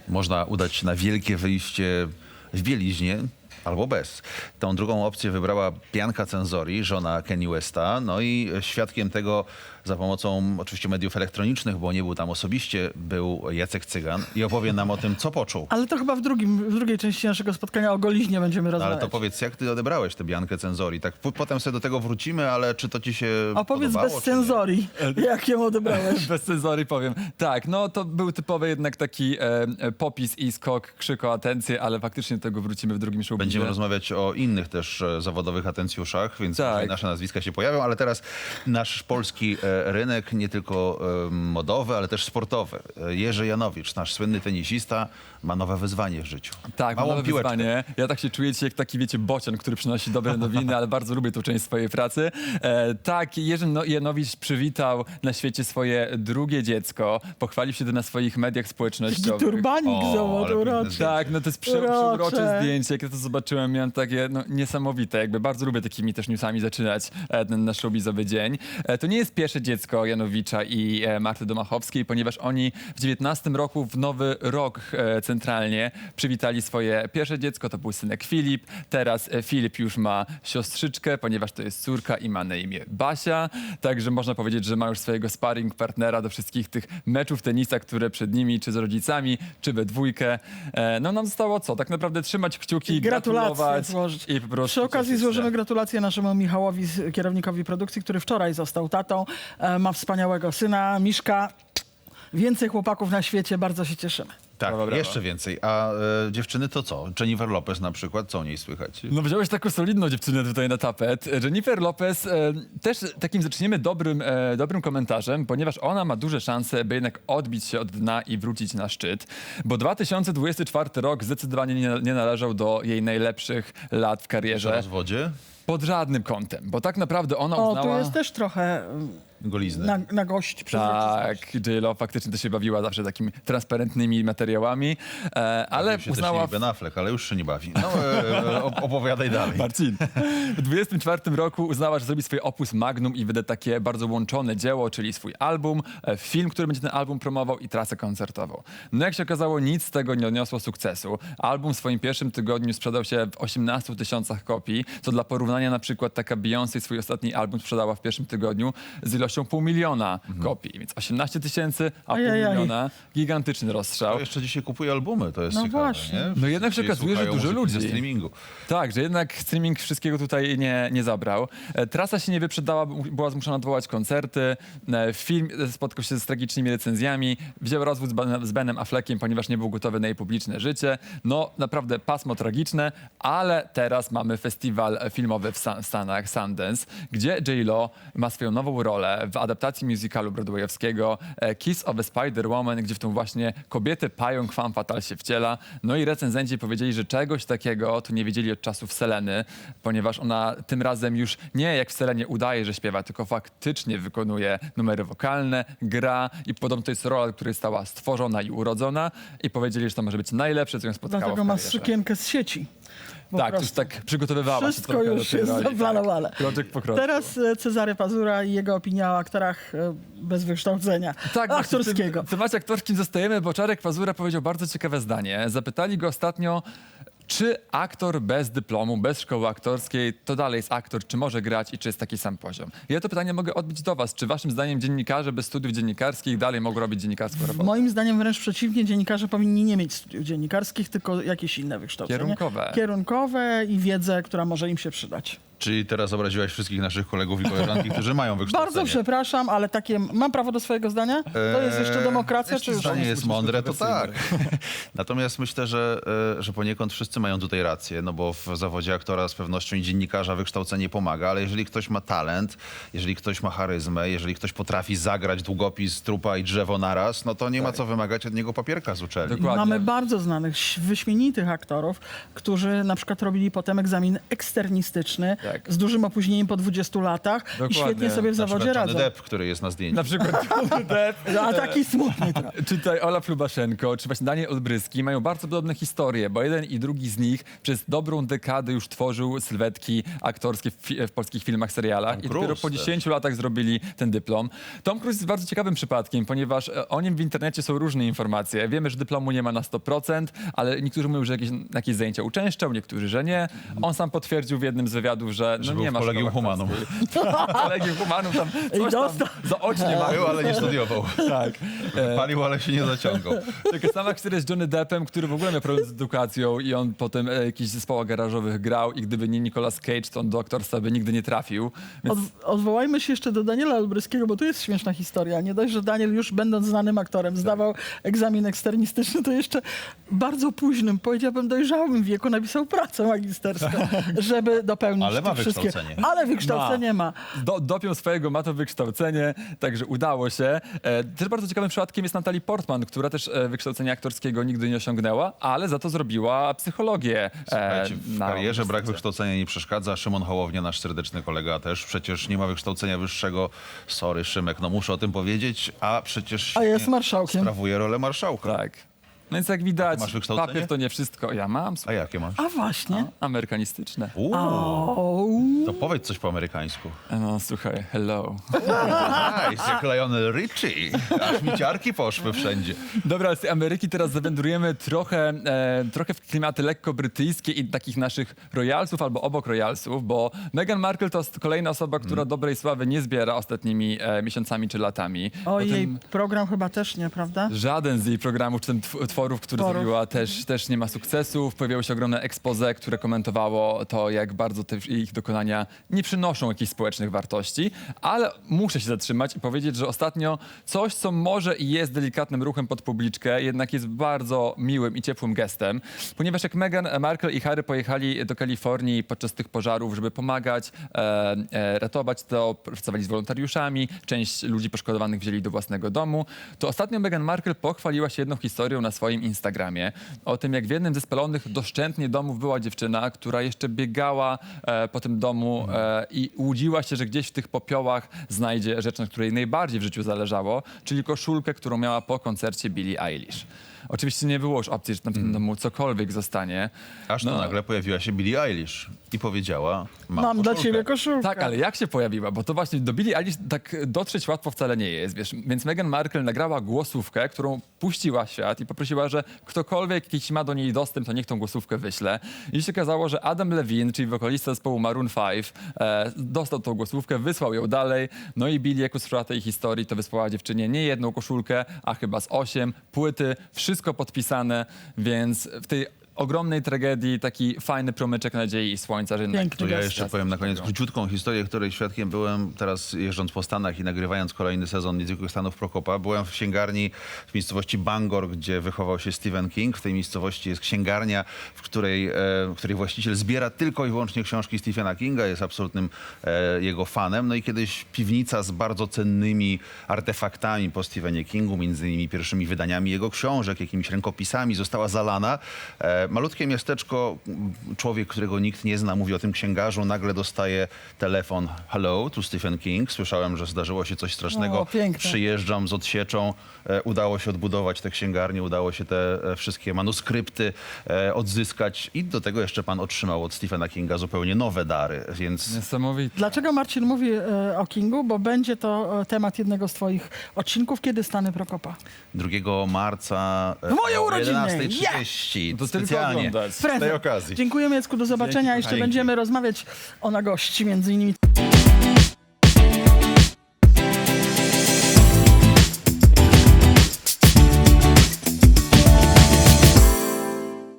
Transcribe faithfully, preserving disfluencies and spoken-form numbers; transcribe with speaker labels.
Speaker 1: Można udać się na wielkie wyjście w bieliźnie albo bez. Tą drugą opcję wybrała Bianca Censori, żona Kanye Westa. No i świadkiem tego za pomocą oczywiście mediów elektronicznych, bo nie był tam osobiście, był Jacek Cygan i opowie nam o tym, co poczuł.
Speaker 2: Ale to chyba w, drugim, w drugiej części naszego spotkania o goliźnie będziemy
Speaker 1: No,
Speaker 2: rozmawiać.
Speaker 1: ale to powiedz, jak ty odebrałeś tę Biankę Censori? Tak, p- potem sobie do tego wrócimy, ale czy to ci się
Speaker 2: Opowiedz
Speaker 1: podobało,
Speaker 2: bez
Speaker 1: czy nie?
Speaker 2: cenzorii, jak ją odebrałeś.
Speaker 3: Bez cenzory powiem. Tak, no to był typowy jednak taki e, e, popis i skok, krzyk o atencję, ale faktycznie do tego wrócimy w drugim showbizie.
Speaker 1: Będziemy rozmawiać o innych też e, zawodowych atencjuszach, więc
Speaker 3: Tak.
Speaker 1: tutaj nasze nazwiska się pojawią, ale teraz nasz polski e, rynek, nie tylko e, modowy, ale też sportowy. E, Jerzy Janowicz, nasz słynny tenisista, ma nowe wyzwanie w życiu.
Speaker 3: Tak,
Speaker 1: Małą
Speaker 3: nowe
Speaker 1: piłeczkę.
Speaker 3: wyzwanie. Ja tak się czuję dzisiaj jak taki, wiecie, bocian, który przynosi dobre nowiny, ale bardzo lubię tą część swojej pracy. E, tak, Jerzy no- Janowicz przywitał na świecie swoje drugie dziecko. Pochwalił się to na swoich mediach
Speaker 2: Taki
Speaker 3: społecznościowych.
Speaker 2: turbanik,
Speaker 1: O,
Speaker 2: zobacz,
Speaker 1: ale
Speaker 2: uroczy.
Speaker 1: piękne
Speaker 3: Tak, no to jest prze-
Speaker 2: Urocze.
Speaker 3: przeurocze zdjęcie. Jak ja to zobaczyłem, miałem takie no, niesamowite. Jakby bardzo lubię takimi też newsami zaczynać e, ten nasz showbizowy dzień. E, to nie jest pierwsze dziecko Janowicza i e, Marty Domachowskiej, ponieważ oni w dziewiętnastym roku w Nowy Rok e, centralnie przywitali swoje pierwsze dziecko. To był synek Filip. Teraz e, Filip już ma siostrzyczkę, ponieważ to jest córka i ma na imię Basia. Także można powiedzieć, że ma już swojego sparring partnera do wszystkich tych meczów tenisa, które przed nimi, czy z rodzicami, czy we dwójkę. E, no nam zostało co? Tak naprawdę trzymać kciuki,
Speaker 2: Gratulacje
Speaker 3: gratulować
Speaker 2: złożyć.
Speaker 3: i po prostu
Speaker 2: Przy okazji
Speaker 3: cieszyć się.
Speaker 2: złożymy gratulacje naszemu Michałowi, z- kierownikowi produkcji, który wczoraj został tatą. E, ma wspaniałego syna, Miszka. Więcej chłopaków na świecie, bardzo się cieszymy.
Speaker 1: Tak,
Speaker 3: Brawo, brawo.
Speaker 1: jeszcze więcej. A e, dziewczyny to co? Jennifer Lopez na przykład, co o niej słychać?
Speaker 3: No wziąłeś taką solidną dziewczynę tutaj na tapet. Jennifer Lopez e, też takim zaczniemy dobrym, e, dobrym komentarzem, ponieważ ona ma duże szanse, by jednak odbić się od dna i wrócić na szczyt, bo dwa tysiące dwudziesty czwarty rok zdecydowanie nie, nie należał do jej najlepszych lat w
Speaker 1: Przy
Speaker 3: karierze.
Speaker 1: rozwodzie?
Speaker 3: Pod żadnym kątem, bo tak naprawdę ona
Speaker 2: O,
Speaker 3: uznała...
Speaker 2: tu jest też trochę
Speaker 1: Golizny.
Speaker 2: na, na gość przezroczystość.
Speaker 3: Tak, J-Lo faktycznie to się bawiła zawsze takimi transparentnymi materiałami, e, ale
Speaker 1: Bawił się
Speaker 3: uznała...
Speaker 1: też Ben Affleck, ale już się nie bawi. No, e, op- opowiadaj dalej.
Speaker 3: Marcin. W dwudziestym czwartym roku uznała, że zrobi swoje opus magnum i wyda takie bardzo łączone dzieło, czyli swój album, e, film, który będzie ten album promował i trasę koncertową. No jak się okazało, nic z tego nie odniosło sukcesu. Album w swoim pierwszym tygodniu sprzedał się w osiemnastu tysiącach kopii, co dla porównania na przykład taka Beyoncé swój ostatni album sprzedała w pierwszym tygodniu z ilością pół miliona kopii. Więc osiemnaście tysięcy, a pół
Speaker 2: Ajajaj.
Speaker 3: miliona. Gigantyczny rozstrzał.
Speaker 1: To jeszcze dzisiaj kupuje albumy, to jest
Speaker 2: No
Speaker 1: ciekawe,
Speaker 2: właśnie.
Speaker 1: nie?
Speaker 3: No jednak się
Speaker 1: Wszyscy
Speaker 3: okazuje, że
Speaker 1: słuchają
Speaker 3: dużo
Speaker 1: muzyki
Speaker 3: ludzi.
Speaker 1: ze streamingu.
Speaker 3: Tak, że jednak streaming wszystkiego tutaj nie, nie zabrał. E, Trasa się nie wyprzedała, b- była zmuszona odwołać koncerty. E, Film spotkał się z tragicznymi recenzjami. Wziął rozwód z, Ben, z Benem Affleckiem, ponieważ nie był gotowy na jej publiczne życie. No naprawdę pasmo tragiczne, ale teraz mamy festiwal filmowy w San- Stanach, Sundance, gdzie J-Lo ma swoją nową rolę w adaptacji musicalu broadwayowskiego e, Kiss of a Spider-Woman, gdzie w tą właśnie kobietę pająk femme fatale się wciela. No i recenzenci powiedzieli, że czegoś takiego tu nie wiedzieli od czasów Seleny, ponieważ ona tym razem już nie jak w Selenie udaje, że śpiewa, tylko faktycznie wykonuje numery wokalne, gra i podobno to jest rola, która została stworzona i urodzona i powiedzieli, że to może być najlepsze, co ją spotkało
Speaker 2: Dlatego
Speaker 3: w
Speaker 2: ma
Speaker 3: karierze.
Speaker 2: sukienkę z sieci. Po
Speaker 3: Tak, to już
Speaker 2: prostu.
Speaker 3: tak przygotowywała się
Speaker 2: Wszystko
Speaker 3: trochę
Speaker 2: już
Speaker 3: do tej
Speaker 2: jest
Speaker 3: roli,
Speaker 2: zaplanowane.
Speaker 3: Tak. Kroczek po kroczku.
Speaker 2: Teraz e, Cezary Pazura i jego opinia o aktorach e, bez wykształcenia
Speaker 3: Tak,
Speaker 2: aktorskiego.
Speaker 3: W tym temacie aktorskim zostajemy, bo Czarek Pazura powiedział bardzo ciekawe zdanie. Zapytali go ostatnio, czy aktor bez dyplomu, bez szkoły aktorskiej, to dalej jest aktor, czy może grać i czy jest taki sam poziom? Ja to pytanie mogę odbić do was. Czy waszym zdaniem dziennikarze bez studiów dziennikarskich dalej mogą robić dziennikarską robotę?
Speaker 2: Moim zdaniem wręcz przeciwnie, dziennikarze powinni nie mieć studiów dziennikarskich, tylko jakieś inne wykształcenie.
Speaker 3: Kierunkowe.
Speaker 2: Kierunkowe i wiedzę, która może im się przydać.
Speaker 1: Czyli teraz obraziłaś wszystkich naszych kolegów i koleżanki, którzy mają wykształcenie.
Speaker 2: Bardzo przepraszam, ale takie... Mam prawo do swojego zdania? To jest jeszcze demokracja,
Speaker 1: Eee,
Speaker 2: czy już...
Speaker 1: zdanie jest mądre, to tak.
Speaker 3: kontrowersyjne.
Speaker 1: Natomiast myślę, że, e, że poniekąd wszyscy mają tutaj rację, no bo w zawodzie aktora z pewnością i dziennikarza wykształcenie pomaga, ale jeżeli ktoś ma talent, jeżeli ktoś ma charyzmę, jeżeli ktoś potrafi zagrać długopis, trupa i drzewo naraz, no to nie ma co wymagać od niego papierka z uczelni.
Speaker 3: Dokładnie.
Speaker 2: Mamy bardzo znanych, ś- wyśmienitych aktorów, którzy na przykład robili potem egzamin eksternistyczny
Speaker 3: Tak.
Speaker 2: z dużym opóźnieniem po dwudziestu latach
Speaker 3: Dokładnie.
Speaker 2: i świetnie sobie w
Speaker 1: Na
Speaker 2: zawodzie
Speaker 1: przykład Johnny
Speaker 2: radzą.
Speaker 1: Depp, który jest na zdjęciu.
Speaker 3: Na przykład Depp,
Speaker 2: A taki smutny trochę.
Speaker 3: czy tutaj Olaf Lubaszenko, czy właśnie Daniel Olbryski mają bardzo podobne historie, bo jeden i drugi z nich przez dobrą dekadę już tworzył sylwetki aktorskie w, fi- w polskich filmach, serialach
Speaker 1: Tom
Speaker 3: i dopiero
Speaker 1: Cruise
Speaker 3: po
Speaker 1: też.
Speaker 3: dziesięciu latach zrobili ten dyplom. Tom Cruise jest bardzo ciekawym przypadkiem, ponieważ e, o nim w internecie są różne informacje. Wiemy, że dyplomu nie ma na sto procent, ale niektórzy mówią, że jakieś, jakieś zajęcia uczęszczał, niektórzy, że nie. On sam potwierdził w jednym z wywiadów, że no
Speaker 1: Że
Speaker 3: nie
Speaker 1: był
Speaker 3: ma
Speaker 1: w Kolegium
Speaker 3: szkoły
Speaker 1: Humanum.
Speaker 3: aktorskiej. Kolegium Humanum tam
Speaker 2: I
Speaker 3: coś
Speaker 2: dostał.
Speaker 3: tam zaocznie ma.
Speaker 1: Był, ale nie studiował.
Speaker 3: Tak. E,
Speaker 1: Palił, ale się nie zaciągał.
Speaker 3: Taka sama historia z Johnny Deppem, który w ogóle miał problem z edukacją i on potem e, jakichś zespołach garażowych grał i gdyby nie Nicolas Cage, to on do aktorstwa by nigdy nie trafił. Więc
Speaker 2: Od, odwołajmy się jeszcze do Daniela Olbryskiego, bo tu jest śmieszna historia. Nie dość, że Daniel już będąc znanym aktorem zdawał egzamin eksternistyczny, to jeszcze bardzo późnym, powiedziałbym dojrzałym wieku napisał pracę magisterską, żeby dopełnić
Speaker 1: Ale ma
Speaker 2: te wszystkie...
Speaker 1: wykształcenie.
Speaker 2: Ale wykształcenie ma.
Speaker 3: Do, dopiął swojego, ma to wykształcenie, także udało się. E, też bardzo ciekawym przypadkiem jest Natalie Portman, która też e, wykształcenia aktorskiego nigdy nie osiągnęła, ale za to zrobiła psychologię.
Speaker 1: Słuchajcie, w
Speaker 3: na
Speaker 1: karierze brak
Speaker 3: uniwersytecie.
Speaker 1: wykształcenia nie przeszkadza. Szymon Hołownia, nasz serdeczny kolega też przecież nie ma wykształcenia wyższego. Sorry, Szymek, no muszę o tym powiedzieć, a przecież
Speaker 2: A jest
Speaker 1: świetnie
Speaker 2: marszałkiem.
Speaker 1: sprawuje rolę marszałka.
Speaker 3: Tak. No więc jak widać,
Speaker 1: Masz wykształcenie?
Speaker 3: papier to nie wszystko. Ja mam,
Speaker 1: A
Speaker 3: słuchaj,
Speaker 1: jakie masz?
Speaker 2: A właśnie.
Speaker 3: amerykanistyczne.
Speaker 1: Uuu,
Speaker 2: O,
Speaker 1: to powiedz coś po amerykańsku.
Speaker 3: No słuchaj, hello.
Speaker 1: Nice, jak Lionel Richie. Aż mi ciarki poszły wszędzie.
Speaker 3: Dobra, z tej Ameryki teraz zawędrujemy trochę, e, trochę w klimaty lekko brytyjskie i takich naszych royalsów albo obok royalsów, bo Meghan Markle to jest kolejna osoba, która
Speaker 1: Mm.
Speaker 3: dobrej sławy nie zbiera ostatnimi e, miesiącami czy latami.
Speaker 2: o jej
Speaker 3: Potem
Speaker 2: program chyba też nie, prawda?
Speaker 3: żaden z jej programów czy tw- tworów, które
Speaker 2: Tworów.
Speaker 3: zrobiła, też, też nie ma sukcesów. Pojawiało się ogromne expose, które komentowało to, jak bardzo te ich dokonania nie przynoszą jakichś społecznych wartości. Ale muszę się zatrzymać i powiedzieć, że ostatnio coś, co może i jest delikatnym ruchem pod publiczkę, jednak jest bardzo miłym i ciepłym gestem, ponieważ jak Meghan Markle i Harry pojechali do Kalifornii podczas tych pożarów, żeby pomagać, e, e, ratować to, pracowali z wolontariuszami, część ludzi poszkodowanych wzięli do własnego domu, to ostatnio Meghan Markle pochwaliła się jedną historią na swoim Instagramie o tym, jak w jednym ze spalonych doszczętnie domów była dziewczyna, która jeszcze biegała e, po tym domu e, i łudziła się, że gdzieś w tych popiołach znajdzie rzecz, na której najbardziej w życiu zależało, czyli koszulkę, którą miała po koncercie Billie Eilish. Oczywiście nie było już opcji, że tam w tym domu cokolwiek zostanie.
Speaker 1: Aż tu
Speaker 3: No.
Speaker 1: nagle pojawiła się Billie Eilish i powiedziała, mam,
Speaker 2: Mam dla
Speaker 1: koszulkę.
Speaker 2: ciebie koszulkę.
Speaker 3: Tak, ale jak się pojawiła? Bo to właśnie do Billie Eilish tak dotrzeć łatwo wcale nie jest, wiesz. Więc Meghan Markle nagrała głosówkę, którą puściła w świat i poprosiła, że ktokolwiek jakiś ma do niej dostęp, to niech tą głosówkę wyśle. I się okazało, że Adam Levine, czyli wokalista zespołu Maroon pięć, e, dostał tą głosówkę, wysłał ją dalej. No i Billie, jak usłyszała tej historii, to wysłała dziewczynie nie jedną koszulkę, a chyba z osiem, płyty, wszystko podpisane, więc w tej ogromnej tragedii taki fajny promyczek nadziei i słońca, że jednak
Speaker 2: Piękny
Speaker 1: To ja
Speaker 2: gest.
Speaker 1: jeszcze powiem na koniec króciutką historię, której świadkiem byłem teraz jeżdżąc po Stanach i nagrywając kolejny sezon Niezwykłych Stanów Prokopa. Byłem w księgarni w miejscowości Bangor, gdzie wychował się Stephen King. W tej miejscowości jest księgarnia, w której, e, w której właściciel zbiera tylko i wyłącznie książki Stephena Kinga, jest absolutnym e, jego fanem. No i kiedyś piwnica z bardzo cennymi artefaktami po Stephenie Kingu, między innymi pierwszymi wydaniami jego książek, jakimiś rękopisami, została zalana. E, malutkie miasteczko, m, człowiek, którego nikt nie zna, mówi o tym księgarzu, nagle dostaje telefon. Hello, tu Stephen King. Słyszałem, że zdarzyło się coś strasznego.
Speaker 2: O, piękne.
Speaker 1: Przyjeżdżam z odsieczą. E, udało się odbudować tę księgarnię, udało się te e, wszystkie manuskrypty e, odzyskać i do tego jeszcze pan otrzymał od Stephena Kinga zupełnie nowe dary, więc
Speaker 3: niesamowite.
Speaker 2: Dlaczego Marcin mówi e, o Kingu? Bo będzie to e, temat jednego z twoich odcinków. Kiedy Stany Prokopa?
Speaker 1: drugiego marca e,
Speaker 2: W moje
Speaker 1: o
Speaker 2: urodziny!
Speaker 1: jedenastej trzydzieści.
Speaker 3: To tylko
Speaker 1: Specjalnie
Speaker 3: oglądać.
Speaker 1: z tej okazji.
Speaker 2: Dziękujemy, Jacku, do zobaczenia.
Speaker 3: Dzięki,
Speaker 2: Jeszcze
Speaker 1: kochani.
Speaker 2: będziemy rozmawiać o nagości, między innymi